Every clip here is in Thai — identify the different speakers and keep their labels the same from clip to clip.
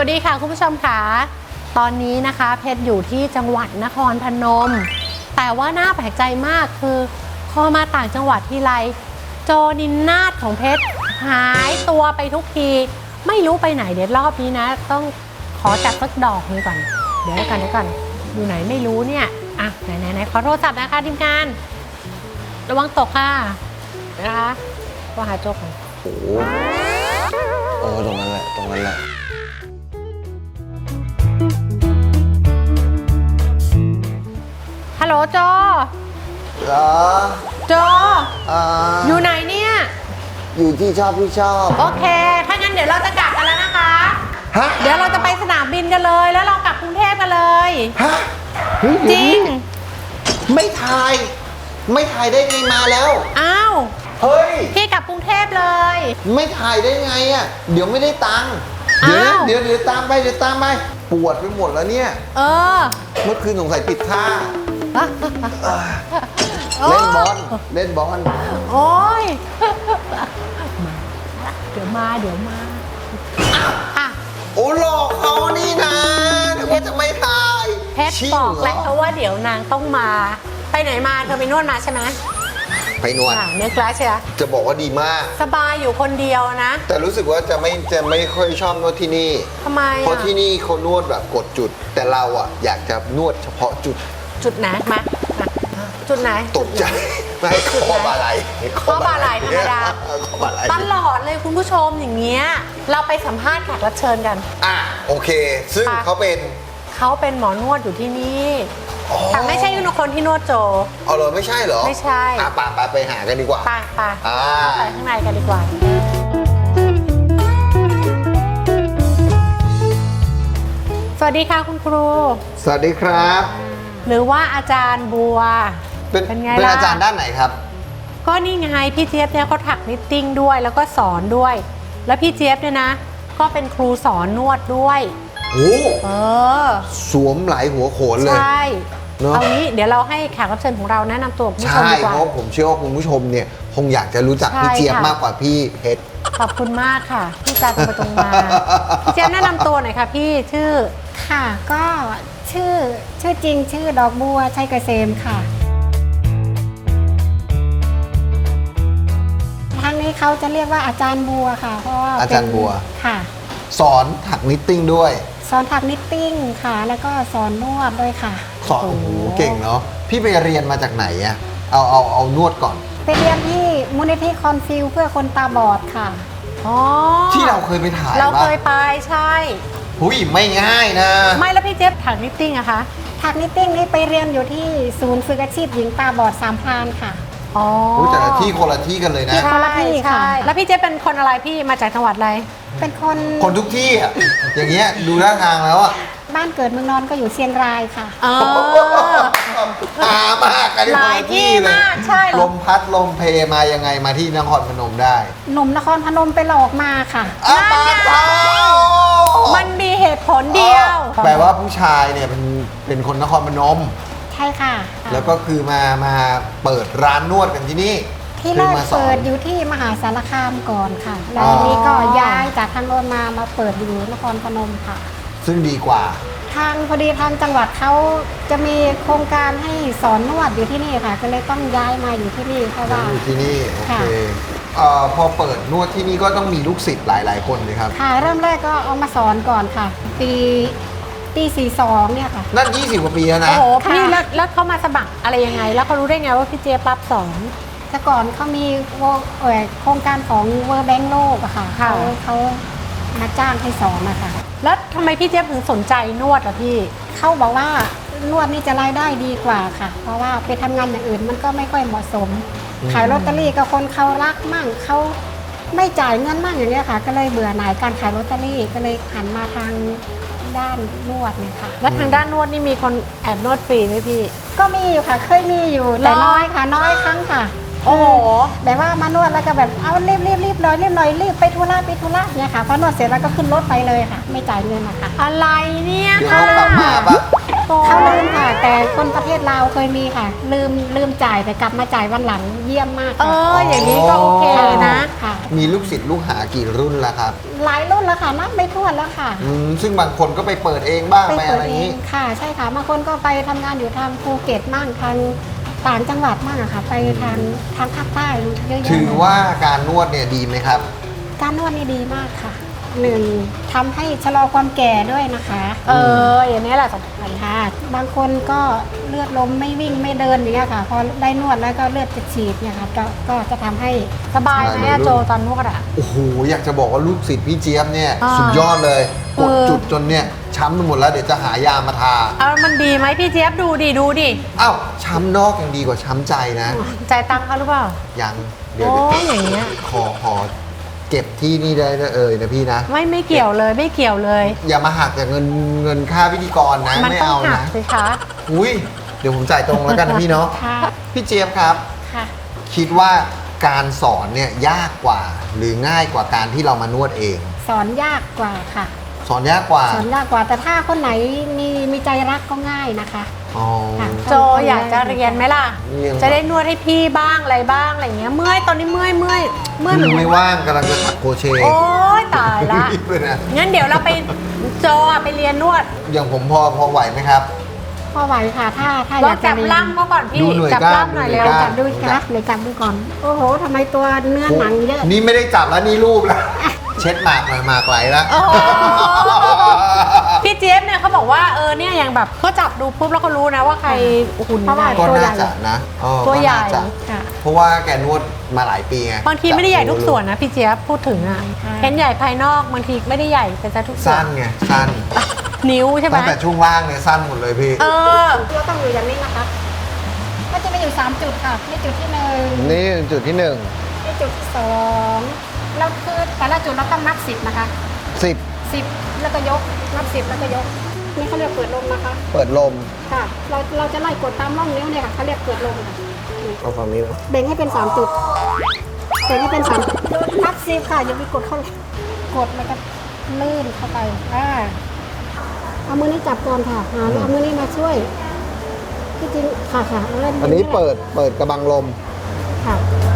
Speaker 1: วัสดีค่ะคุณผู้ชมค่ะตอนนี้นะคะเพชรอยู่ที่จังหวัดนครพนมแต่ว่าน่าแปลกใจมากคือพอมาต่างจังหวัดทีไรโจนินนาถของเพชรหายตัวไปทุกทีไม่รู้ไปไหนเดี๋ยวรอบนี้นะต้องขอจัดสักดอกนึงก่อนเดี๋ยวกันอยู่ไหนไม่รู้เนี่ยอ่ะไหนขอโทรศัพท์นะคะทีมงานระวังตกค่ะนะคะว่าหาโจก่อน
Speaker 2: โอ้ตรงนั้นแหละ
Speaker 1: ฮัลโหลโจ
Speaker 2: เหรอ
Speaker 1: โจอยู่ไหนเนี่ย
Speaker 2: อยู่ที่ชอบ
Speaker 1: โอเคถ้างั้นเดี๋ยวเราจะกลับกันแล้วนะคะ
Speaker 2: ฮะ
Speaker 1: เดี๋ยวเราจะไปสนามบินกันเลยแล้วเรากลับกรุงเทพกันเลย
Speaker 2: ฮะ
Speaker 1: จริง
Speaker 2: ไม่ถ่ายได้ไงมาแล้ว
Speaker 1: อ้าว
Speaker 2: เฮ้ย
Speaker 1: พี่กลับกรุงเทพเลย
Speaker 2: ไม่ถ่ายได้ไงอ่ะเดี๋ยวไม่ได้ตังค์เดี๋ยวตามไปปวดไปหมดแล้วเนี่ยเมื่อคืนสงสัยติดท่าเล่นบอล
Speaker 1: โอ้ยเดี๋ยวมาอ่ะ
Speaker 2: โอ้หลอกเขานี่นะเพชรจะไม่ถ่าย
Speaker 1: เพชรบอกแล้วเพราะว่าเดี๋ยวนางต้องมาไปไหนมาเธอไปนวดมาใช่ไหม
Speaker 2: ไปนวด
Speaker 1: เนื้อกลาใช่ไหม
Speaker 2: จะบอกว่าดีมาก
Speaker 1: สบายอยู่คนเดียวนะ
Speaker 2: แต่รู้สึกว่าจะไม่ค่อยชอบนวดที่นี่
Speaker 1: ทำไม
Speaker 2: เพราะที่นี่เขานวดแบบกดจุดแต่เราอ่ะอยากจะนวดเฉพาะจุด
Speaker 1: ไหนมาจุดไหน
Speaker 2: ตกใจไม่ข้อบาไหล
Speaker 1: ธรรมดาตลอดเลยคุณผู้ชมอย่างเงี้ยเราไปสัมภาษณ์แขกรับเชิญกัน
Speaker 2: โอเคซึ่งเขาเป็น
Speaker 1: หมอนวดอยู่ที่นี่แต่ไม่ใช่คนที่นวดโจ
Speaker 2: เอาเลยไม่ใช่เหรอ
Speaker 1: ไม่ใช่
Speaker 2: ไปหากันดีกว่า
Speaker 1: ไปเข้าไปข้างในกันดีกว่าสวัสดีค่ะคุณครู
Speaker 2: สวัสดีครับ
Speaker 1: หรือว่าอาจารย์บัว
Speaker 2: เป็นไงล่ะเป็นอาจารย์ด้านไหนครับ
Speaker 1: ก็นี่ไงพี่เจี๊ยบเนี่ยเขาถักนิตติ้งด้วยแล้วก็สอนด้วยแล้วพี่เจี๊ยบเนี่ยนะก็เป็นครูสอนนวดด้วย
Speaker 2: โอ้สวมหลายหัวโขนเลย
Speaker 1: ใช่เอางี้เดี๋ยวเราให้แขกรับเชิญของเราแนะนำตัวคุณผู้ชมดีกว่า
Speaker 2: ใช่เพราะผมเชื่อว่าคุณผู้ชมเนี่ยคงอยากจะรู้จักพี่เจี๊ยบมากกว่าพี่เพชร
Speaker 1: ขอบคุณมากค่ะพี่จาตรงมาพี่เจี๊ยบแนะนำตัวหน่อยค่ะพี่ชื่อ
Speaker 3: ค่ะก็ชื่อจริงชื่อดอกบัวชัยเกษมค่ะทางนี้เขาจะเรียกว่าอาจารย์บัวค่ะเพราะว่า
Speaker 2: อาจารย์บัว
Speaker 3: ค่ะ
Speaker 2: สอนถักนิตติ้งด้วย
Speaker 3: สอนถักนิตติ้งค่ะแล้วก็สอนนวดด้วยค่ะ
Speaker 2: สอนโอ้โหเก่งเนาะพี่ไปเรียนมาจากไหนอะเอานวดก่อน
Speaker 3: ไปเรียนที่มูลนิธิคอนฟิวเพื่อคนตาบอดค่ะ
Speaker 2: ที่เราเคยไปถ่าย
Speaker 1: เราเคยไปใช่
Speaker 2: หุ้ยไม่ง่ายนะ
Speaker 1: ไม่แล้วพี่เจี๊ยบถักนิตติ้งอะคะ
Speaker 3: ถักนิตติ้งนี่ไปเรียนอยู่ที่ศูนย์ฝึกอาชีพหญิงตาบอดสามพรานค่ะ
Speaker 2: แต่ละที่คนละที่กันเลยนะ
Speaker 3: คนละที่ค่ะ
Speaker 1: แล้วพี่เจ๊เป็นคนอะไรพี่มาจากจังหวัดอะไร
Speaker 3: เป็นคน
Speaker 2: ทุกที่อ่ะอย่างเงี้ยดูท่าทางแล้วอ่ะ
Speaker 3: บ้านเกิดเมืองนอนก็อยู่เชียงรายค่ะ
Speaker 2: มากกัน
Speaker 1: หลายที่มากใช่
Speaker 2: ลมพัดลมเพมายังไงมาที่นครพนมได้
Speaker 3: หนุ่มนครพนมไปหลอกมาค่ะ
Speaker 2: ปาเท้า
Speaker 1: มันมีเหตุผลเดียว
Speaker 2: แปลว่าผู้ชายเนี่ยเป็นคนนครพนม
Speaker 3: ใช่ค่ะ
Speaker 2: แล้วก็คือมาเปิดร้านนวดกันที่นี่
Speaker 3: ที่แรกเปิดอยู่ที่มหาสารคามก่อนค่ะแล้วทีนี้ก็ย้ายจากทางโน้นมาเปิดอยู่นครพนมค่ะ
Speaker 2: ซึ่งดีกว่า
Speaker 3: พอดีทางจังหวัดเขาจะมีโครงการให้สอนนวดอยู่ที่นี่ค่ะก็เลยต้องย้ายมาอยู่ที่นี่เพราะว่า
Speaker 2: อยู่ที่นี่โอเคพอเปิดนวดที่นี่ก็ต้องมีลูกศิษย์หลายคนเลยครับ
Speaker 3: ค่ะเริ่มแรกก็เอามาสอนก่อนค่ะปี42เนี่ยค่ะ
Speaker 2: นั่น20 กว่าปีแล้วนะ
Speaker 1: โอ้โหพี่แล้วเขามาสมัครอะไรยังไงแล้วเขารู้ได้ไงว่าพี่เจี๊ยบรับสอน
Speaker 3: แต่ก่อนเขามีโครงการของเวอร์แบงค์โลกอะค่ะเขามาจ้างให้สอนนะคะ
Speaker 1: แล้วทำไมพี่เจี๊ยบถึงสนใจนวดล่ะพี่
Speaker 3: เขาบอกว่านวดนี่จะรายได้ดีกว่าค่ะเพราะว่าไปทำงานอย่างอื่นมันก็ไม่ค่อยเหมาะสมขายลอตเตอรี่กับคนเขารักมั่งเขาไม่จ่ายเงินมั่งอย่างเงี้ยค่ะก็เลยเบื่อหน่ายการขายลอตเตอรี่ก็เลยหันมาทางด้านนวดเนี่ยค่ะ
Speaker 1: แล้วทางด้านนวดนี่มีคนแอบนวดฟรีไหมพี่
Speaker 3: ก็มีอยู่ค่ะเคยมีอยู่แต่น้อยค่ะน้อยครั้งค่ะ
Speaker 1: โอ้โห
Speaker 3: แบบว่ามานวดแล้วก็แบบเอารีบเลยรีบไปธุระเนี่ยค่ะพอนวดเสร็จแล้วก็ขึ้นรถไปเลยค่ะไม่จ่ายเงินนะคะ
Speaker 1: อะไรเนี่ย
Speaker 2: ค่ะกลับมาปะ
Speaker 1: โก
Speaker 3: เขาลืมค่ะ แต่คนประเทศลาวเคยมีค่ะ ลืมจ่ายแต่กลับมาจ่ายวันหลังเยี่ยมมาก
Speaker 1: เอ
Speaker 3: ค่ะ
Speaker 1: ออย่างนี้ก็โอเคนะ
Speaker 3: ค่ะ
Speaker 2: มีลูกศิษย์ลูกหากี่รุ่นแล้วครับ
Speaker 3: หลายรุ่นแล้วค่ะนับไม่ถ้วนแล้วค่ะ
Speaker 2: ซึ่งบางคนก็ไปเปิดเองบ้าง
Speaker 3: ไป
Speaker 2: ไป
Speaker 3: เปิ
Speaker 2: อะ
Speaker 3: ด
Speaker 2: ไรอ
Speaker 3: เอย่าง
Speaker 2: นี้
Speaker 3: งค่ะ ใช่ค่ะบางคนก็ไปทำงานอยู่ทางภูเก็ตมั่งทางต่างจังหวัดมั่งอะค่ะ ไปทางภาคใต้เยอะแยะ
Speaker 2: ถือว่าการนวดเนี่ยดีไหมครับ
Speaker 3: การนวดนี่ดีมากค่ะหนึ่งทำให้ชะลอความแก่ด้วยนะคะ
Speaker 1: เอออย่างนี้แหละสำคัญ
Speaker 3: ค่ะบางคนก็เลือดลมไม่วิ่งไม่เดินอย่างเงี้ยค่ะ พอได้นวดแล้วก็เลือดจะฉีดเนี่ยค่ะก็จะทำให้
Speaker 1: สบายไหมอะโจตอนนวดอะ
Speaker 2: โอ้โห อยากจะบอกว่าลูกศิษย์พี่เจี๊ยบเนี่ย
Speaker 1: อ่า
Speaker 2: สุดยอดเลย กด
Speaker 1: เออ
Speaker 2: จุดจนเนี่ยช้ำไปหมดแล้วเดี๋ยวจะหายามาทา
Speaker 1: เอามันดีไหมพี่เจี๊ยบดูดิดูดิ
Speaker 2: อ้าวช้ำนอกยังดีกว่าช้ำใจนะ
Speaker 1: จ่ายตังค์เขาหรือเปล่า
Speaker 2: ยังเดี๋ยว
Speaker 1: โอ้ยอย่างเงี้ย
Speaker 2: ขอเก็บที่นี่ได้นะพี่นะ
Speaker 1: ไม่เกี่ยวเลยไม่เกี่ยวเลย
Speaker 2: อย่ามาหักจากเงินค่าพิธีกรนะ
Speaker 1: มัน
Speaker 2: ไม่
Speaker 1: ต้อง
Speaker 2: เอา
Speaker 1: หัก
Speaker 2: นะ
Speaker 1: สิคะ
Speaker 2: อุ้ยเดี๋ยวผมจ่ายตรงแล้วกันนะพี่เนาะ
Speaker 3: ค่ะ
Speaker 2: พี่เจี๊ยบครับ
Speaker 3: ค่ะ
Speaker 2: คิดว่าการสอนเนี่ยยากกว่า หรือง่ายกว่าการที่เรามานวดเอง
Speaker 3: สอนยากกว่าค่ะ
Speaker 2: สอนยากกว่า
Speaker 3: สอนยากกว่าแต่ถ้าคนไหนมีใจรักก็ง่ายนะคะ
Speaker 2: อ๋อ
Speaker 3: ค่ะ
Speaker 1: โจอยากจะเรียนไหมล่ะ
Speaker 2: เรียน
Speaker 1: จะได้นวดให้พี่บ้างอะไรบ้างอะไรเงี้ยเมื่อยตอนนี้เมื่อยเหมือน
Speaker 2: ไม่ว่างกำลังจะถักโครเชต์
Speaker 1: โอ๊ยตายละ
Speaker 2: รีบเลยนะ
Speaker 1: งั้นเดี๋ยวเราไปโจอะไปเรียนนวด
Speaker 2: อย่างผมพอไหวไหมครับ
Speaker 3: พอไหวค่ะ ถ้าอ
Speaker 1: ลอย
Speaker 3: าง กจะ
Speaker 1: จับ
Speaker 3: เรียน
Speaker 1: ล่ำเขาก่อนพี่
Speaker 2: ดูหน่วย
Speaker 1: จับ
Speaker 2: กล้าม
Speaker 1: ล่ำหน่อย
Speaker 2: ดูหน่
Speaker 1: เร็
Speaker 2: ว
Speaker 1: วย
Speaker 2: กล้าม
Speaker 3: จับดูค่ะเลยจับดูก่อน โอ้โหทำไมตัวเนื้อหนังเยอะ
Speaker 2: นี่ไม่ได้จับแล้วนี่รูปแล้ว เช็ดหมากหน่อยหมากไหลแล้ว
Speaker 1: โอ้โหพี่เจี๊ยบเนี่ยเขาบอกว่าเนี่ยอย่างแบบเขาจับดูปุ๊บแล้วเขารู้นะว่าใครหุ่น
Speaker 3: เพราะว่า
Speaker 1: ไหน
Speaker 2: ก็
Speaker 3: ตัวใหญ่
Speaker 2: น่าจะนะเออ
Speaker 1: ตัวใหญ่
Speaker 2: ก็น่าจะ
Speaker 3: ค่ะ
Speaker 2: เพราะว่าแกนวดมาหลายปีไง
Speaker 1: บางทีไม่ได้ใหญ่ทุกส่วนนะพี่เจี๊ยบพูดถึงอ่ะ
Speaker 3: ค่ะ
Speaker 1: เห็นใหญ่ภายนอกบางทีไม่ได้ใหญ่แต่จะทุกส่ว
Speaker 2: สั้
Speaker 1: น
Speaker 2: นไงสั้น
Speaker 1: นิ้วใช่ไหม
Speaker 2: ตั้งแต่ช่วงล่างเนี่ยสั้นหมดเลยพี่
Speaker 1: เออ
Speaker 3: เราต้องอยู่อย่างนี้นะคะ ก็จะมีอยู่3จุดค่ะนี่จุดที่1
Speaker 2: นี่จุดที่1
Speaker 3: นี่จุดที่2เราคือแต่ละจุดเราต้องนับ10นะคะ
Speaker 2: 10
Speaker 3: 10แล้วก็ยกนับ10แล้วก็ยกนี่เขาเรียกเปิดลมนะคะ
Speaker 2: เปิดลม
Speaker 3: ค่ะเราจะไล่กดตามร่องนิ้วเนี่ยค่ะเขาเรียกเปิดลมค่ะ
Speaker 2: เอาฝั่งนี้นะ
Speaker 3: แบ่งให้เป็น3จุดแบ่งให้เป็น3จุดนับ10ค่ะอย่าไปกดเข้าเลยกดแล้วก็ลื่นเข้าไปเอามือนี้จับก่อนค่ะแล้วเอามือนี้มาช่วยที่จริงค่ะเอาเล่น
Speaker 2: อันนี้เปิดกระบังลม
Speaker 3: ค่ะ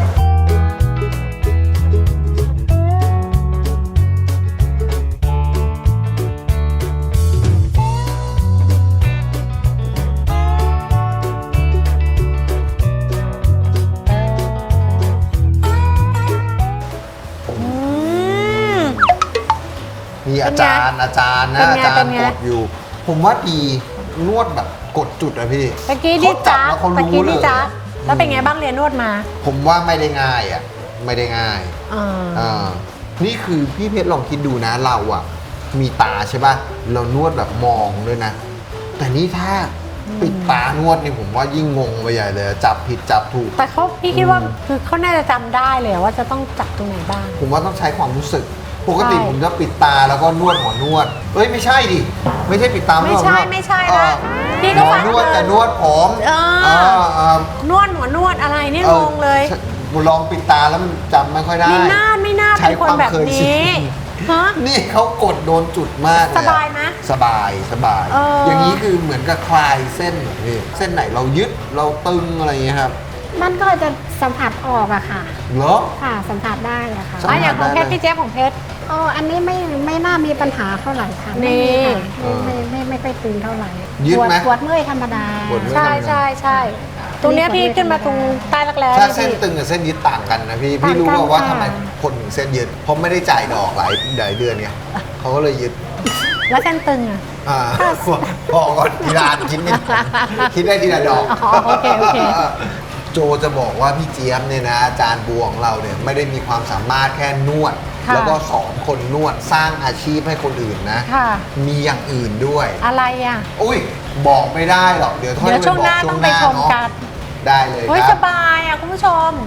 Speaker 1: อืม
Speaker 2: มีอาจารย์นะ
Speaker 1: เป็นไง
Speaker 2: อาจาร
Speaker 1: เป็น
Speaker 2: ย์
Speaker 1: ไง
Speaker 2: กดอยู่ ผมว่าดีนวดแบบกดจุดอะพี่
Speaker 1: ตะกี้นี่
Speaker 2: เขาจั
Speaker 1: จ้า
Speaker 2: บแล้วเขา
Speaker 1: ตะ
Speaker 2: รู้
Speaker 1: กี้
Speaker 2: เล
Speaker 1: นี่
Speaker 2: ย
Speaker 1: จ้าแล้วเป็นไงบ้างเรียนนวดมา
Speaker 2: ผมว่าไม่ได้ง่ายอะไม่ได้ง่าย
Speaker 1: อ่า
Speaker 2: อ่านี่คือพี่เพชรลองคิดดูนะเราอะมีตาใช่ป่ะเรานวดแบบมองด้วยนะ แต่นี่ถ้าปิดตานวดนี่ผมว่ายิ่งงงไปใหญ่เลยจับผิดจับถูก
Speaker 1: แต่พี่คิดว่าคือเขาน่าจะจำได้เลยว่าจะต้องจับตรงไหนบ้าง
Speaker 2: ผมว่าต้องใช้ความรู้สึก ปกติ
Speaker 1: ใช่
Speaker 2: ผมจะปิดตาแล้วก็นวดหัวนวดเอ้ยไม่ใช่ดิไม่ใช่ปิดตา
Speaker 1: ไม่ใช่ไม่ใช่นะพี่
Speaker 2: ห
Speaker 1: ก็
Speaker 2: มอ
Speaker 1: ฟัง
Speaker 2: นวดแต่นวดผม
Speaker 1: เออ นวดหัวนวดอะไรนี่งงเลย
Speaker 2: ลองปิดตาแล้วมันจำไม่ค่อยได้
Speaker 1: ไม่น่า
Speaker 2: ใช้
Speaker 1: เป็นคนแบบ
Speaker 2: ความเคยชิ
Speaker 1: นี้
Speaker 2: น
Speaker 1: ฮะ
Speaker 2: นี่เขากดโดนจุดมากเลยอะ
Speaker 1: สบายไหม
Speaker 2: สบาย
Speaker 1: เอออ
Speaker 2: อย่างนี้คือเหมือนกับคลายเส้นเหรอพี่เส้นไหนเรายึดเราตึงอะไรอย่างเงี้ยครับ
Speaker 3: มันก็จะสัมผัสออกอะค่ะ
Speaker 2: เหรอ
Speaker 3: ค่ะสัมผัสได้อะค่ะ
Speaker 2: สัมผัส
Speaker 1: อย่างของเพชร
Speaker 2: ได้
Speaker 1: พี่เจ๊ของเพชร
Speaker 3: อ๋ออันนี้ไม่น่ามีปัญหาเท่าไหร่ค่ะ
Speaker 1: นี่
Speaker 3: ไม่ค่อยตึงเท่าไหร่
Speaker 2: ยืดไหม
Speaker 3: ปวดเมื่อยธรรมดา
Speaker 2: ปวดเมื่อย
Speaker 1: ใช่ตรงเนี้ยพี่ขึ้นมาตรงใต้รักแร้
Speaker 2: ถ้า
Speaker 1: เนี่ย
Speaker 2: เส้น
Speaker 1: พี่
Speaker 2: ตึงกับเส้นยึดต่างกันนะพี่
Speaker 3: ต่างกัน
Speaker 2: พี่รู้ป่าวว่า
Speaker 3: ค่ะ
Speaker 2: ทำไมคนถึงเส้นยึดเพราะไม่ได้จ่ายดอกหลายเดือนไงเขาก็เลยยึด
Speaker 1: แล้วเส้นตึงอ่ะ
Speaker 2: อ่าพอก่อนทีละอันคิดไม่คิดได้ทีละดอก
Speaker 1: อ๋อโอเค
Speaker 2: โจจะบอกว่าพี่เจี๊ยบเนี่ยนะอาจารย์บัวของเราเนี่ยไม่ได้มีความสามารถแค่นวด
Speaker 1: ค่ะ
Speaker 2: แล้วก็สอนคนนวดสร้างอาชีพให้คนอื่นนะ
Speaker 1: ค่ะ
Speaker 2: มีอย่างอื่นด้วย
Speaker 1: อะไรอ่ะ
Speaker 2: อุ้ยบอกไม่ได้หรอกเดี๋ยวค่อย
Speaker 1: เดี๋ยวช่วงหน้า
Speaker 2: ไปบก
Speaker 1: ต้องไปชม
Speaker 2: เนาะ
Speaker 1: กัน
Speaker 2: ได้เลย
Speaker 1: เฮ้ย
Speaker 2: ค
Speaker 1: ส
Speaker 2: รับ
Speaker 1: บายอ่ะคุณผู้ชม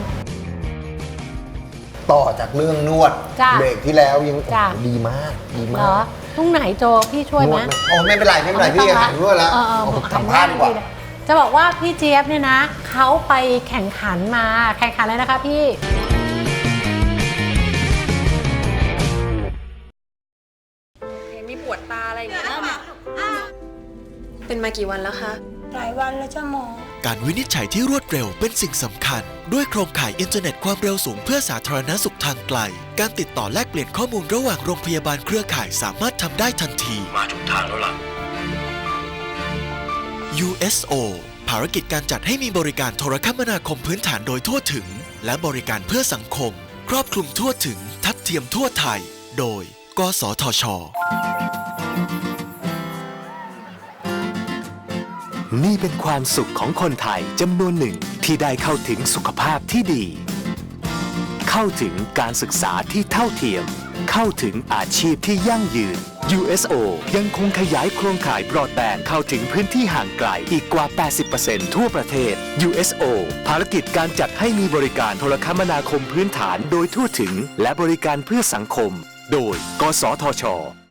Speaker 2: ต่อจากเรื่องนวด
Speaker 1: จ้ะ
Speaker 2: เบรกที่แล้วยัง
Speaker 1: จ้ะ
Speaker 2: ดีมากดี
Speaker 1: เห
Speaker 2: มาร
Speaker 1: อก ตรงไหนโจพี่ช่วยไหม
Speaker 2: นดโอ้ไม่เป็นไรไม่เป็นไรพี่หันนวดแล้ว
Speaker 1: เออ
Speaker 2: ผมสัมภาษณ์ดีกว่า
Speaker 1: จะบอกว่าพี่เจี๊ยบเนี่ยนะเขาไปแข่งขันมาแข่งขันเลยนะคะพี่
Speaker 4: มีปวดตาอะไรอย่างเงี้ยเป็นมากี่วันแล้วคะ
Speaker 5: หลายวันแล้วจ้าหมอ
Speaker 6: การวินิจฉัยที่รวดเร็วเป็นสิ่งสำคัญ ด้วยโครงข่ายอินเทอร์เน็ตความเร็วสูงเพื่อสาธารณสุขทางไกล การติดต่อแลกเปลี่ยนข้อมูลระหว่างโรงพยาบาลเครือข่ายสามารถทำได้ทันที มาถูกทางแล้วล่ะ USO ภารกิจการจัดให้มีบริการโทรคมนาคมพื้นฐานโดยทั่วถึง และบริการเพื่อสังคม ครอบคลุมทั่วถึง ทัดเทียมทั่วไทย โดย กสทช.
Speaker 7: นี่เป็นความสุขของคนไทยจำนวนหนึ่งที่ได้เข้าถึงสุขภาพที่ดี เข้าถึงการศึกษาที่เท่าเทียม เข้าถึงอาชีพที่ยั่งยืน USO ยังคงขยายโครงข่ายบรอดแบนด์เข้าถึงพื้นที่ห่างไกลอีกกว่า 80% ทั่วประเทศ USO ภารกิจการจัดให้มีบริการโทรคมนาคมพื้นฐานโดยทั่วถึงและบริการเพื่อสังคม โดย กสทช.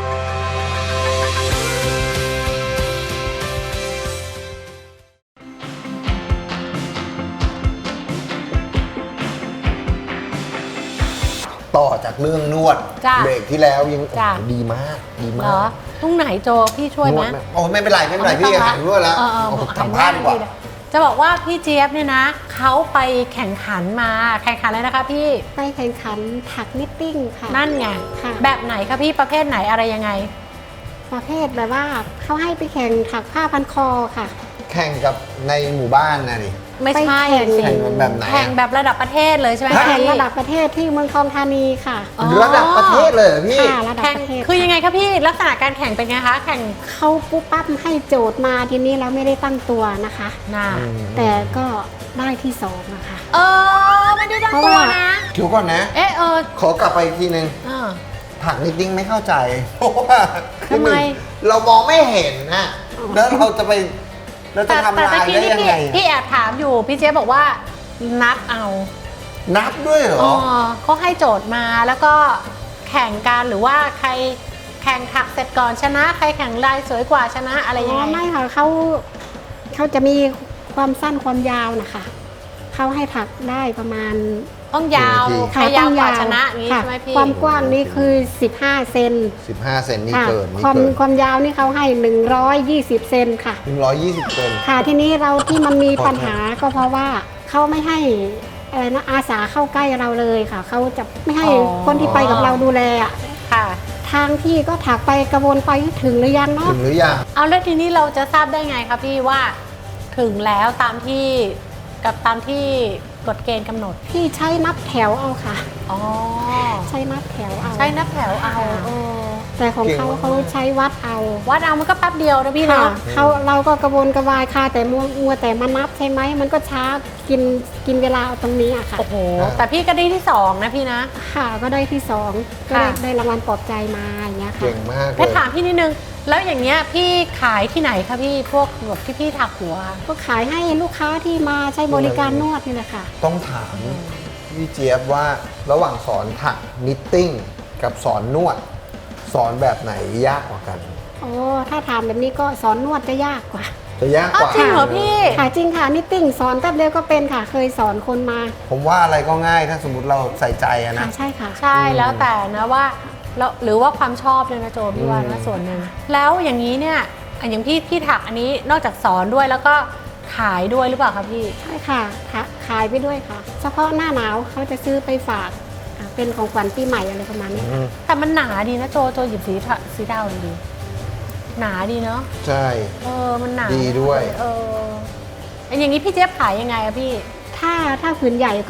Speaker 2: ต่อจากเรื่องนวด
Speaker 1: จ้ะ
Speaker 2: เบรกที่แล้วยัง
Speaker 1: จ้ะ
Speaker 2: ดีมากดี
Speaker 1: เหร
Speaker 2: มา
Speaker 1: อก ตรงไหนโจพี่ช่วยไหม
Speaker 2: นดโอ้ไม่เป็นไรไม่เป็นไรพี่หายนวดแล้ว
Speaker 1: เออ
Speaker 2: เอา
Speaker 1: หาย
Speaker 2: ทำพลาดดีกว่า
Speaker 1: จะบอกว่าพี่เจี๊ยบเนี่ยนะเขาไปแข่งขันมาแข่งขันอะไรนะคะพี่
Speaker 3: ไปแข่งขันถักนิตติ้งค่ะ
Speaker 1: นั่นไง
Speaker 3: ค่ะ
Speaker 1: แบบไหนคะพี่ประเภทไหนอะไรยังไง
Speaker 3: ประเภทแบบว่าเขาให้ไปแข่งถักผ้าพันคอค่ะ
Speaker 2: แข่งกับในหมู่บ้านนะนี่
Speaker 1: ไม่ใช่
Speaker 3: ไปแข่ง
Speaker 1: สิ
Speaker 2: แข่งแบบไหนอะ
Speaker 1: แข่งแบบระดับประเทศเลยใช่ไหม
Speaker 3: ไปแข่ง
Speaker 1: พี่
Speaker 3: ระดับประเทศที่เมืองทองธานีค่ะ
Speaker 1: อ๋อ
Speaker 2: ระดับประเทศเลยเหรอพี่
Speaker 3: ค่ะระดับ
Speaker 1: แข่ง
Speaker 3: ประเทศ
Speaker 1: คือยังไงคะพี่ลักษณะการแข่งเป็นไงคะแข่ง
Speaker 3: เขาปุ๊บปั๊บให้โจทย์มาทีนี้เราไม่ได้ตั้งตัวนะคะ
Speaker 1: หน้า
Speaker 3: แต่ก็ได้ที่สองนะคะ
Speaker 1: ไม่ได้ตั้ง
Speaker 3: เพราะ
Speaker 1: ตัว
Speaker 3: ว่า
Speaker 1: นะ
Speaker 2: เดี๋ยวก่อนนะ ขอกลับไปอีกทีนึง
Speaker 1: เออ
Speaker 2: ถักนิดดิ้งไม่เข้าใจ เพราะว่าคือ
Speaker 1: ทำไม
Speaker 2: หนึ่งเรามองไม่เห็นนะแล้วเราจะไปเราจะทำลาย
Speaker 1: กี้
Speaker 2: ได้
Speaker 1: นี่
Speaker 2: ยังไง
Speaker 1: พี่แอบถามอยู่พี่เจ๊บอกว่านับเอา
Speaker 2: นับด้วยเหรอ
Speaker 1: เขาให้โจทย์มาแล้วก็แข่งกันหรือว่าใครแข่งถักเสร็จก่อนชนะ ใครแข่งลายสวยกว่าชนะอะไรยังไง
Speaker 3: ไม่ค่ะเขาจะมีความสั้นความยาวนะคะเขาให้ถักได้ประมาณ
Speaker 1: ต้องยาว
Speaker 2: กี่นาที
Speaker 1: ใครยาวกว่าชนะอย่างนี้
Speaker 3: ค่ะ
Speaker 1: ใช่ไหมพี่
Speaker 3: ความกว้างนี่คือ 15 เซน
Speaker 2: 15 เซนนี่
Speaker 3: ค่ะ
Speaker 2: เกินนี่
Speaker 3: ความ
Speaker 2: เกิน
Speaker 3: ความยาวนี่เขาให้ 120 เซนค่ะ
Speaker 2: 120 เซน
Speaker 3: ค่ะทีนี้เราที่มันมีปัญหาก็เพราะว่าเขาไม่ให้อะไรนะอาสาเข้าใกล้เราเลยค่ะเขาจะไม่ให้คนที่ไปกับเราดูแลอะ
Speaker 1: ค่ะ
Speaker 3: ทางที่ก็ถักไปกระวนไปถึงหรือยังเนาะ
Speaker 2: ถึงหรือยัง
Speaker 1: เอาแล้วทีนี้เราจะทราบได้ไงคะพี่ว่าถึงแล้วตามที่กฎเกณฑ์กำหนด
Speaker 3: พี่ใช้นับแถวเอาค่ะ
Speaker 1: อ๋อ
Speaker 3: ใช้นับแถวเอา
Speaker 1: ใช้นับแถวเอา
Speaker 3: ค่ะ
Speaker 1: เออ
Speaker 3: แต่ของเขาเขาใช้วัดเอา
Speaker 1: วัดเอามันก็แป๊บเดียวนะพี่
Speaker 3: ค่ะ
Speaker 1: เนาะ
Speaker 3: เราก็กระวนกระวายค่ะแต่มัวแต่มานับใช่ไหมมันก็ช้ากินเวลาเอาตรงนี้อะค่ะ
Speaker 1: โอ้โหแต่พี่ก็ได้ที่สองนะพี่นะ
Speaker 3: ค่ะก็ได้ที่สองก็
Speaker 1: ค่ะ
Speaker 3: ได้รางวัลปลอบใจมาอย่างเงี้ยค่ะ
Speaker 2: เก่งมากเล
Speaker 1: แค่
Speaker 2: ย
Speaker 1: ถามพี่นิดนึงแล้วอย่างเงี้ยพี่ขายที่ไหนคะพี่พวกแบบที่พี่ถักหัว
Speaker 3: ก็ขายให้ลูกค้าที่มาใช้บริการนวดนี่แหละค่ะ
Speaker 2: ต้องถามพี่เจี๊ยบว่าระหว่างสอนถักนิตติ้งกับสอนนวด สอนแบบไหนยากกว่ากัน
Speaker 3: โอ้ถ้าถามแบบนี้ก็สอนนวดจะยากกว่า
Speaker 2: จะยากกว่า
Speaker 1: จริงเหรอพี่
Speaker 3: ค่ะจริงค่ะนิตติ้งสอนแป๊บเดียวก็เป็นค่ะ เคยสอนคนมา
Speaker 2: ผมว่าอะไรก็ง่ายถ้าสมมติเราใส่ใจอะ
Speaker 3: ค่ะ
Speaker 2: นะ
Speaker 3: ใช่ค่ะ
Speaker 1: ใช่แล้วแต่นะว่าแล้วหรือว่าความชอบเลยนะโจพี่ว่านะส่วนหนึ่งแล้วอย่างนี้เนี่ยอย่างพี่ถักอันนี้นอกจากสอนด้วยแล้วก็ขายด้วยหรือเปล่าคะพี่
Speaker 3: ใช่ค่ะขายไปด้วยค่ะ เฉพาะหน้าหนาวเขาจะซื้อไปฝากเป็นของขวัญปีใหม่อะไรประมาณนี้
Speaker 1: แต่มันหนาดีนะโจหยิบสีดาวดีหนาดีเนาะ
Speaker 2: ใช่
Speaker 1: มันหนา
Speaker 2: ดีด้วย
Speaker 1: อย่างนี้พี่เจี๊ยบขายยังไงอะพี่
Speaker 3: ถ้าผืนใหญ่ก็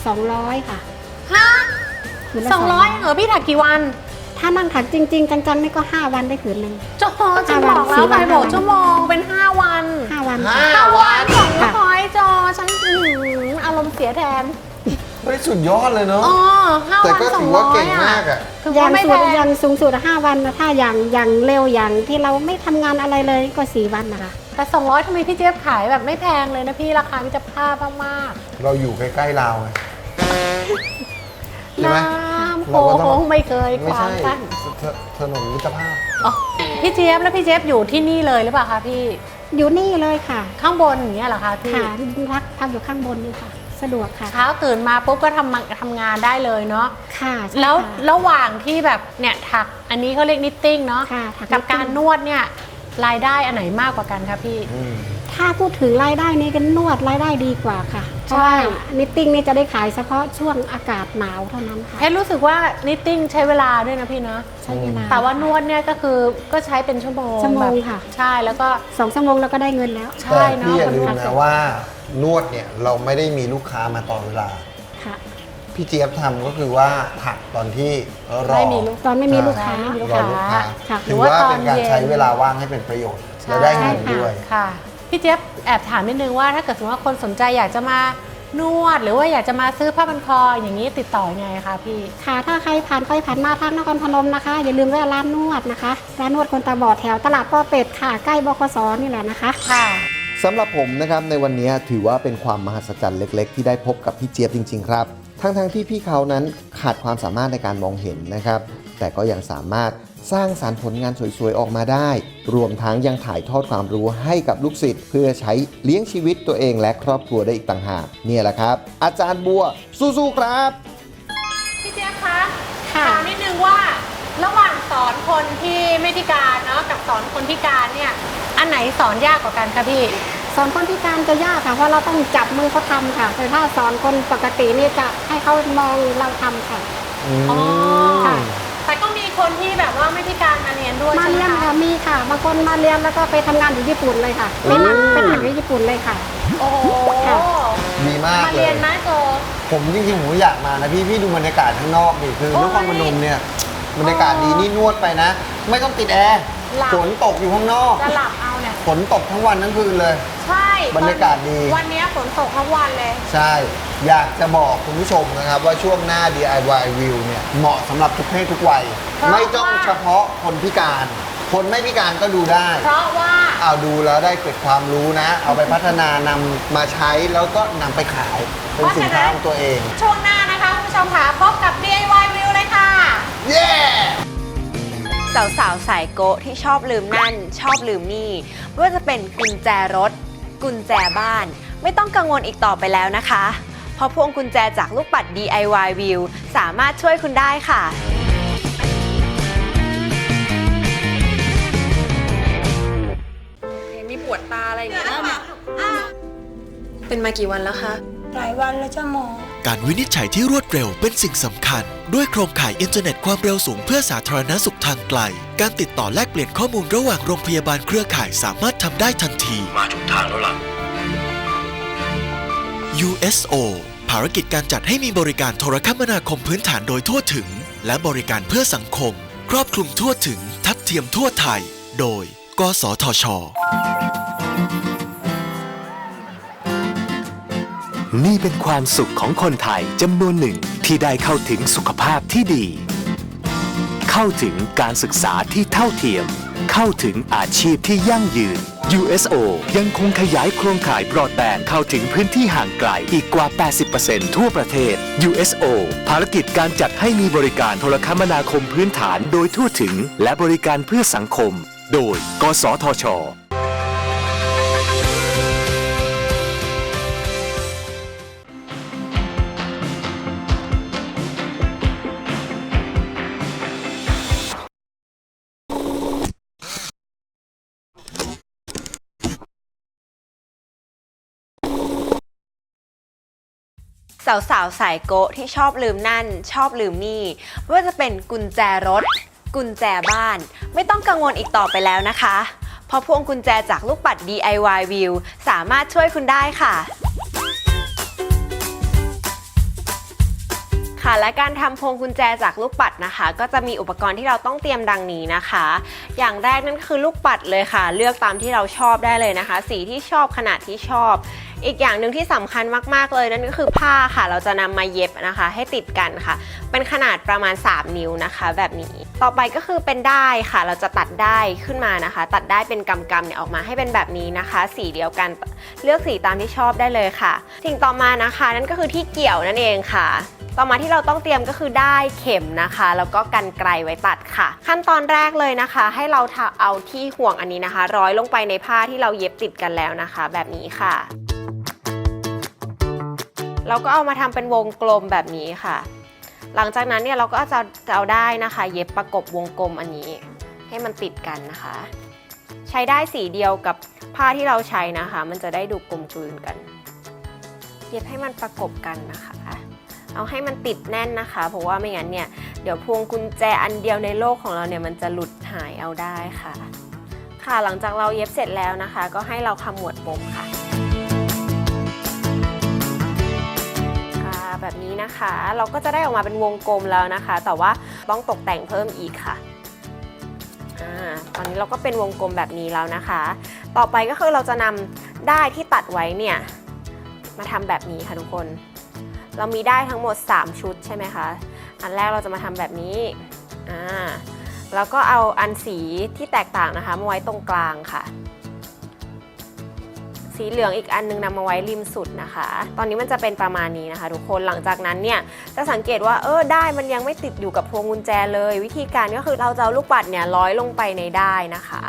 Speaker 3: 200 ค่ะ
Speaker 1: ฮะ
Speaker 3: ผืนละ
Speaker 1: 200เหรอพี่ถักกี่วัน
Speaker 3: ถ้านั่งถักจริง ๆ จังๆนี่ก็ 5 วันได้ผืนหนึ่ง
Speaker 1: โจฉันบอกแล้วไปบอกชั่วโมงเป็น5 วัน
Speaker 3: 5 วัน
Speaker 2: 5 วัน
Speaker 1: 200โจฉันอารมณ์เสียแทน
Speaker 2: เฮ้ยสุดยอดเลยเนาะ
Speaker 1: 5
Speaker 2: แต่
Speaker 1: วัน
Speaker 2: ก็ถือ
Speaker 1: 200
Speaker 2: ว่าเก่งมากอะ
Speaker 1: คือ
Speaker 3: ยั
Speaker 1: ว่าง ไม่
Speaker 3: สุ
Speaker 1: แพ
Speaker 3: ด
Speaker 1: ง
Speaker 3: ยังสูงสุด5 วันนะถ้าอย่างเร็วอย่างที่เราไม่ทำงานอะไรเลยก็ 4 วันนะคะ
Speaker 1: แต่200ทำไมพี่เจี๊ยบขายแบบไม่แพงเลยนะพี่ราคามิตรภาพมาก
Speaker 2: เราอยู่ใกล้ๆเราวไง
Speaker 1: ๆ
Speaker 2: ใช่ไหม
Speaker 1: น้ำโข
Speaker 2: เราก็ต้อง
Speaker 1: งไม่เคย
Speaker 2: ไม่
Speaker 1: ขวา
Speaker 2: ใช่
Speaker 1: งกัน
Speaker 2: ถนนมิตรภาพ
Speaker 1: อ๋อพี่เจี๊ยบแล้วพี่เจี๊ยบอยู่ที่นี่เลยหรือเปล่าคะพี่
Speaker 3: อยู่นี่เลยค่ะ
Speaker 1: ข้างบนอย่างเงี้ยเหรอคะพี่
Speaker 3: ค่ะพักอยู่ข้างบนนี่ค่ะ สะดวกค่ะ
Speaker 1: เช้าตื่นมาปุ๊บก็ทำงานได้เลยเนาะ
Speaker 3: ค่ะใช่
Speaker 1: แล้ว
Speaker 3: ค่ะ
Speaker 1: ระหว่างที่แบบเนี่ยถักอันนี้เขาเรียกนิตติ้งเนาะ
Speaker 3: ค่ะถัก
Speaker 1: กับ
Speaker 3: นิตติ้ง
Speaker 1: การนวดเนี่ยรายได้อันไหนมากกว่ากันคะพี่
Speaker 3: ถ้าพูดถึงรายได้นี่ก็นวดรายได้ดีกว่าค่ะเพ
Speaker 1: ใช่
Speaker 3: ราะว่านิตติ้งนี่จะได้ขายเฉพาะช่วงอากาศหนาวเท่านั้นค่ะ
Speaker 1: เพชรรู้สึกว่านิตติ้งใช้เวลาด้วยนะพี่เนาะ
Speaker 3: ใช้เวลา
Speaker 1: แต่ว่านวดเนี่ยก็คือก็ใช้เป็นชั่วโมง
Speaker 3: ชั่วโมง
Speaker 1: แบบ
Speaker 3: ค่ะ
Speaker 1: ใช่แล้วก็
Speaker 3: 2 ชั่วโมงเราก็ได้เงินแล้ว
Speaker 1: ใช่
Speaker 2: แต่
Speaker 1: เนาะ
Speaker 2: พี่อย่าลืม
Speaker 1: ค
Speaker 2: นะว่านวดเนี่ยเราไม่ได้มีลูกค้ามาตลอดเวลา
Speaker 3: ค่ะ
Speaker 2: พี่เจี๊ยบทำก็คือว่าผักตอนที่รอ
Speaker 1: ไม่มีลูก
Speaker 3: ตอนไม่มีลูกค้า
Speaker 1: ไม่มีลูก
Speaker 2: รอ
Speaker 1: ค้า
Speaker 2: ลูกค้า
Speaker 3: ค่ะ
Speaker 2: ถือว่าเป็นการใช้เวลาว่างให้เป็นประโยชน์
Speaker 1: ใช่
Speaker 2: และได้เงินด้วย
Speaker 1: ค่ะพี่เจี๊ยบแอบถามนิดนึงว่าถ้าเกิดสมมติว่าคนสนใจอยากจะมานวด หรือว่าอยากจะมาซื้อผ้าพันคออย่างนี้ติดต่อยังไงคะพี่
Speaker 3: ค่ะถ้าใครผ่านไปผ่านมาทางนครพนมนะคะ อย่าลืมแวะร้านนวดนะคะร้านนวดคนตาบอดแถวตลาดป้อเป็ดค่ะใกล้บขสนี่แหละนะคะ
Speaker 1: ค่ะ
Speaker 2: สำหรับผมนะครับในวันนี้ถือว่าเป็นความมหัศจรรย์เล็กๆ ที่ได้พบกับพี่เจี๊ยบจริงๆครับทั้งที่พี่เขานั้นขาดความสามารถในการมองเห็นนะครับแต่ก็ยังสามารถสร้างสรรค์ผลงานสวยๆออกมาได้ รวมทั้งยังถ่ายทอดความรู้ให้กับลูกศิษย์เพื่อใช้เลี้ยงชีวิตตัวเองและครอบครัวได้อีกต่างหากเนี่ยแหละครับ อาจารย์บัวสู้ๆครับ
Speaker 1: พี่เจี๊ยบคะ
Speaker 3: ค่ะ
Speaker 1: ถามนิดนึงว่าระหว่างสอนคนที่ไม่พิการเนาะกับสอนคนพิการเนี่ยอันไหนสอนยากกว่ากันคะพี่
Speaker 3: สอนคนพิการจะยากค่ะเพราะเราต้องจับมือเขาทำค่ะแต่ถ้าสอนคนปกตินี่จะให้เขามองเราทำค่ะ
Speaker 1: อ๋อ
Speaker 3: ค่ะ
Speaker 1: แต่ก็มีคนที่แบบว่าไม่พิการมาเรียนด้วย
Speaker 3: มา
Speaker 1: ใช่ไหม
Speaker 3: เรียน
Speaker 1: คะ
Speaker 3: ค่ะมีค่ะบางคนมาเรียนแล้วก็ไปทำงานอยู่ญี่ปุ่นเลยค่ะเป็นหนังที่ญี่ปุ่นเลยค่ะ
Speaker 1: โอ้โห
Speaker 3: ค่ะ
Speaker 2: ดีมาก
Speaker 1: มา
Speaker 2: เล
Speaker 1: เรีย
Speaker 2: ย
Speaker 1: นไหมโจ
Speaker 2: ผมจริงๆผมอยากมานะพี่ดูบรรยากาศข้างนอกดิคือนครพนมเนี่ยบรรยากาศดีนี่นวดไปนะ ไม่ต้องติดแอร์ฝนตกอยู่ข้างนอก
Speaker 1: จะหลับเอาเนี่ย
Speaker 2: ฝนตกทั้งวันทั้งคืนเลย
Speaker 1: ใช่
Speaker 2: บรรยากาศดี
Speaker 1: วันนี้ฝนตกทั้งวันเลย
Speaker 2: ใช่ อยากจะบอกคุณผู้ชมนะครับว่าช่วงหน้า DIY View เนี่ยเหมาะสำหรับทุกเพศทุกวัย
Speaker 1: เพราะ
Speaker 2: ไม่ต้อง
Speaker 1: ว่า
Speaker 2: เฉพาะคนพิการ คนไม่พิการก็ดูได้
Speaker 1: เพราะว่า
Speaker 2: เอาดูแล้วได้เกิดความรู้นะ เอาไปพัฒนานำมาใช้แล้วก็นำไปขายเป็นสินค้าของตัวเอง
Speaker 1: ช่วงหน้านะคะคุณผู้ชมค่ะพบกับ DIY View เลยค่ะ
Speaker 2: เย้
Speaker 4: สาวๆสายโกะที่ชอบลืมนั่น ชอบลืมนี่ไม่ว่าจะเป็นกุญแจรถ กุญแจบ้าน ไม่ต้องกังวลอีกต่อไปแล้วนะคะ เพราะพวงกุญแจจากลูกปัด DIY View สามารถช่วยคุณได้ค่ะ มีปวดตาอะไรอย่างเงี้ยเป็นมากี่วันแล้วคะ
Speaker 5: หลายวันแล้วจ้าหมอ
Speaker 6: การวินิจฉัยที่รวดเร็วเป็นสิ่งสำคัญ ด้วยโครงข่ายอินเทอร์เน็ตความเร็วสูงเพื่อสาธารณสุขทางไกล การติดต่อแลกเปลี่ยนข้อมูลระหว่างโรงพยาบาลเครือข่ายสามารถทำได้ทันที มาถูกทางแล้วล่ะ USO ภารกิจการจัดให้มีบริการโทรคมนาคมพื้นฐานโดยทั่วถึง และบริการเพื่อสังคม ครอบคลุมทั่วถึง ทัดเทียมทั่วไทย โดย กสทช.
Speaker 7: นี่เป็นความสุขของคนไทยจำนวนหนึ่งที่ได้เข้าถึงสุขภาพที่ดี เข้าถึงการศึกษาที่เท่าเทียม เข้าถึงอาชีพที่ยั่งยืน USO ยังคงขยายโครงข่ายบรอดแบนด์เข้าถึงพื้นที่ห่างไกลอีกกว่า 80% ทั่วประเทศ USO ภารกิจการจัดให้มีบริการโทรคมนาคมพื้นฐานโดยทั่วถึงและบริการเพื่อสังคม โดย กสทช.
Speaker 4: สาวๆสายโกะที่ชอบลืมนั่น ชอบลืมนี่ไม่ว่าจะเป็นกุญแจรถ กุญแจบ้าน ไม่ต้องกังวลอีกต่อไปแล้วนะคะ เพราะพวงกุญแจจากลูกปัด DIY View สามารถช่วยคุณได้ค่ะ ค่ะและการทำพวงกุญแจจากลูกปัดนะคะ ก็จะมีอุปกรณ์ที่เราต้องเตรียมดังนี้นะคะ อย่างแรกนั่นคือลูกปัดเลยค่ะ เลือกตามที่เราชอบได้เลยนะคะ สีที่ชอบขนาดที่ชอบ อีกอย่างหนึ่งที่สำคัญมากๆเลยนั่นก็คือผ้าค่ะ เราจะนำมาเย็บนะคะ ให้ติดกันค่ะ เป็นขนาดประมาณ3 นิ้วนะคะ แบบนี้ต่อไปก็คือเป็นด้ายค่ะ เราจะตัดด้ายขึ้นมานะคะ ตัดด้ายเป็นกำๆเนี่ยออกมาให้เป็นแบบนี้นะคะ สีเดียวกันเลือกสีตามที่ชอบได้เลยค่ะสิ่งต่อมานะคะนั่นก็คือที่เกี่ยวนั่นเองค่ะ ต่อมาที่เราต้องเตรียมก็คือด้ายเข็มนะคะแล้วก็กรรไกรไว้ตัดค่ะขั้นตอนแรกเลยนะคะ ให้เราเอาที่ห่วงอันนี้นะคะ ร้อยลงไปในผ้าที่เราเย็บติดกันแล้วนะคะ แบบนี้ค่ะเราก็เอามาทำเป็นวงกลมแบบนี้ค่ะหลังจากนั้นเนี่ยเราก็จะเอาได้นะคะ เย็บประกบวงกลมอันนี้ให้มันติดกันนะคะใช้ได้สีเดียวกับผ้าที่เราใช้นะคะ มันจะได้ดูกลมกลืนกันเย็บให้มันประกบกันนะคะเอาให้มันติดแน่นนะคะ เพราะว่าไม่งั้นเนี่ยเดี๋ยวพวงกุญแจอันเดียวในโลกของเราเนี่ยมันจะหลุดหายเอาได้ค่ะค่ะหลังจากเราเย็บเสร็จแล้วนะคะ ก็ให้เราขมวดปมค่ะแบบนี้นะคะเราก็จะได้ออกมาเป็นวงกลมแล้วนะคะ แต่ว่าต้องตกแต่งเพิ่มอีกค่ะตอนนี้เราก็เป็นวงกลมแบบนี้แล้วนะคะ ต่อไปก็คือเราจะนำด้ายที่ตัดไว้เนี่ยมาทำแบบนี้ค่ะทุกคนเรามีด้ายทั้งหมด3ชุดใช่ไหมคะอันแรกเราจะมาทำแบบนี้แล้วก็เอาอันสีที่แตกต่างนะคะมาไว้ตรงกลางค่ะสีเหลืองอีกอันนึงนำมาไว้ริมสุดนะคะ ตอนนี้มันจะเป็นประมาณนี้นะคะทุกคนหลังจากนั้นเนี่ยจะสังเกตว่าด้ายมันยังไม่ติดอยู่กับพวงกุญแจเลยวิธีการก็คือเราจะเอาลูกปัดเนี่ยร้อยลงไปในด้ายนะคะ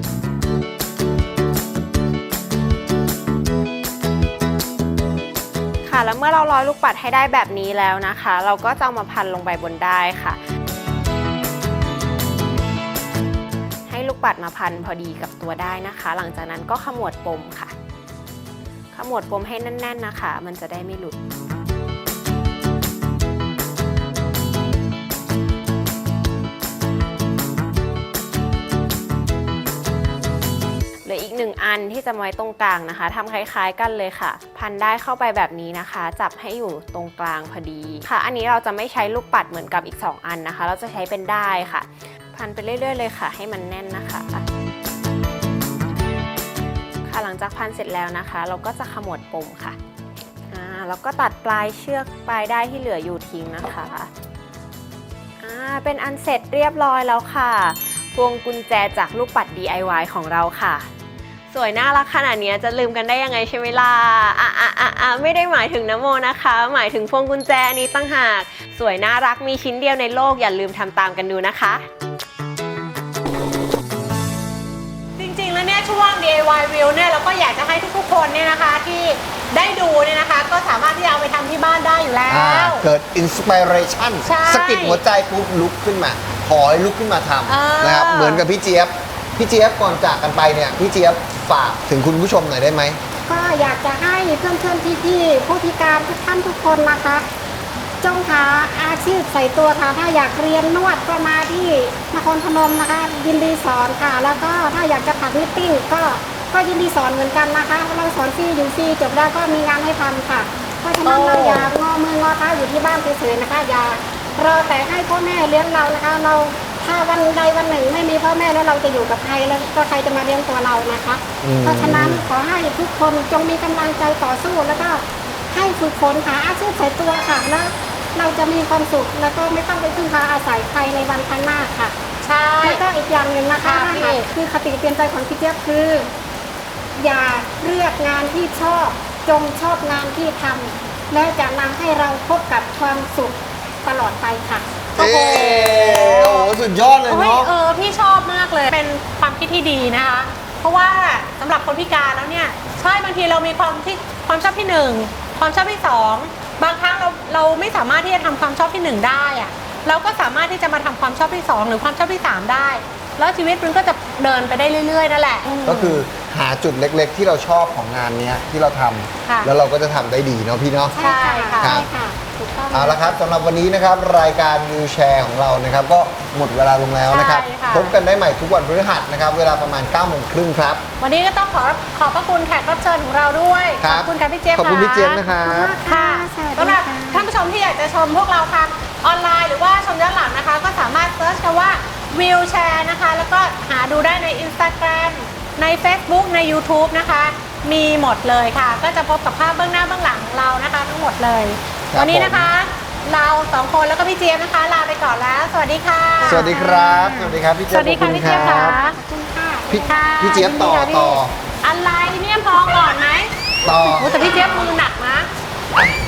Speaker 4: ค่ะแล้วเมื่อเราร้อยลูกปัดให้ได้แบบนี้แล้วนะคะ เราก็จะเอามาพันลงไปบนด้ายค่ะให้ลูกปัดมาพันพอดีกับตัวด้ายนะคะ หลังจากนั้นก็ขมวดปมค่ะขมวดปมให้แน่นๆนะคะมันจะได้ไม่หลุดเหลืออีก1อันที่จะไว้ตรงกลางนะคะทำคล้ายๆกันเลยค่ะพันได้เข้าไปแบบนี้นะคะจับให้อยู่ตรงกลางพอดีค่ะอันนี้เราจะไม่ใช้ลูกปัดเหมือนกับอีก2อันนะคะเราจะใช้เป็นด้ายค่ะพันไปเรื่อยๆเลยค่ะให้มันแน่นนะคะหลังจากพันเสร็จแล้วนะคะเราก็จะขมวดปมค่ะแล้วก็ตัดปลายเชือกปลายด้ายที่เหลืออยู่ทิ้งนะคะเป็นอันเสร็จเรียบร้อยแล้วค่ะพวงกุญแจจากลูกปัด DIY ของเราค่ะสวยน่ารักขนาดนี้จะลืมกันได้ยังไงใช่ไหมล่ะไม่ได้หมายถึงน้ำโมนะคะหมายถึงพวงกุญแจนี้ตั้งหากสวยน่ารักมีชิ้นเดียวในโลกอย่าลืมทำตามกันดูนะคะ
Speaker 1: แล้วเนี่ยช่วง DIY View เนี่ยเราก็อยากจะให้ทุกๆคนเนี่ยนะคะที่ได้ดูเนี่ยนะคะก็สามารถที่จะเอาไปทำที่บ้านได้อยู่แล้ว
Speaker 2: เกิดอินสปิเรชันสะกิดหัวใจปุ๊บลุกขึ้นมาขอให้ลุกขึ้นมาทำนะครับเหมือนกับพี่เจี๊ยบก่อนจากกันไปเนี่ยพี่เจี๊ยบฝากถึงคุณผู้ชมหน่อยได้ไหม
Speaker 3: ก็อยากจะให้เพื่อนๆพี่ๆผู้พิการทุกท่านทุกคนนะคะจงหาอาชีพใส่ตัวค่ะถ้าอยากเรียนนวดก็มาที่นครพนมนะคะยินดีสอนค่ะแล้วก็ถ้าอยากจะถักนิตติ้งก็ยินดีสอนเหมือนกันนะคะเราสอนฟรีอยู่ฟรีจบได้ก็มีงานให้ทำค่ะเพราะฉะนั้นเราอย่างอมืองอเท้าอยู่ที่บ้านเฉยๆนะคะอย่ารอแต่ให้พ่อแม่เลี้ยงเรานะคะเราถ้าวันใดวันหนึ่งไม่มีพ่อแม่แล้วเราจะอยู่กับใครแล้วก็ใครจะมาเลี้ยงตัวเรานะคะเพราะฉะนั้นขอให้ทุกคนจงมีกำลังใจต่อสู้แล้วก็ให้ฝึกฝนหาอาชีพใส่ตัวค่ะแล้วเราจะมีความสุขแล้วก็ไม่ต้องไปพึ่งพาอาศัยใครในวันข้างหน้าค่ะใช่แล้วก็อีกอย่างหนึ่งนะคะคือคติเตือนใจของพี่เจี๊ยบคืออย่าเลือกงานที่ชอบจงชอบงานที่ทำและจะนำให้เราพบกับความสุขตลอดไปค่ะ
Speaker 2: โอ้โหสุดยอดเลยเนาะ
Speaker 1: พี่ชอบมากเลยเป็นความคิดที่ดีนะคะเพราะว่าสำหรับคนพิการแล้วเนี่ยใช่บางทีเรามีความชอบที่1ความชอบที่2บางครั้งเราไม่สามารถที่จะทำความชอบที่1ได้อะเราก็สามารถที่จะมาทำความชอบที่2หรือความชอบที่3ได้แล้วชีวิตมันก็จะเดินไปได้เรื่อยๆนั่นแหละ
Speaker 2: ก็คือหาจุดเล็กๆที่เราชอบของงานนี้ที่เราทำแล้วเราก็จะทำได้ดีเนาะพี่เนาะ
Speaker 1: ใช่ค่ะ
Speaker 2: เอาละครับสำหรับวันนี้นะครับรายการวิวแชร์ของเรานะครับก็หมดเวลาลงแล้วนะครับพบกันได้ใหม่ทุกวันพฤหัสนะครับเวลาประมาณ 9:30 ครับ
Speaker 1: วันนี้ก็ต้องขอบพระคุณแขกรับเชิญของเราด้วยขอบคุณค่ะพี่เจี๊ยบ
Speaker 2: ขอบคุณพี่เจี๊ยบนะครับ
Speaker 1: ค่ะสำหรับท่านผู้ชมที่อยากจะชมพวกเราทางออนไลน์หรือว่าชมย้อนหลังนะคะก็สามารถเซิร์ชคำว่าวิวแชร์นะคะแล้วก็หาดูได้ใน Instagram ใน Facebook ใน YouTube นะคะมีหมดเลยค่ะก็จะพบกับภาพเบื้องหน้าเบื้องหลังของเรานะคะทั้งหมดเลยวันนี้นะคะเรา2คนแล้วก็พี่เจี๊ยบนะคะลาไปก่อนแล้วสวัสดีค่ะ
Speaker 2: สวัสดีครับสวัสดีครับพี่เจี๊ยบ
Speaker 1: สวัสดีค่ะพี่เจี๊ยบค่ะ
Speaker 2: พี่เจี๊ยบต่อ
Speaker 1: อะไรเนี่ยพอก่อนไหม
Speaker 2: ต่อ
Speaker 1: แต่พี่เจี๊ยบมือหนักนะ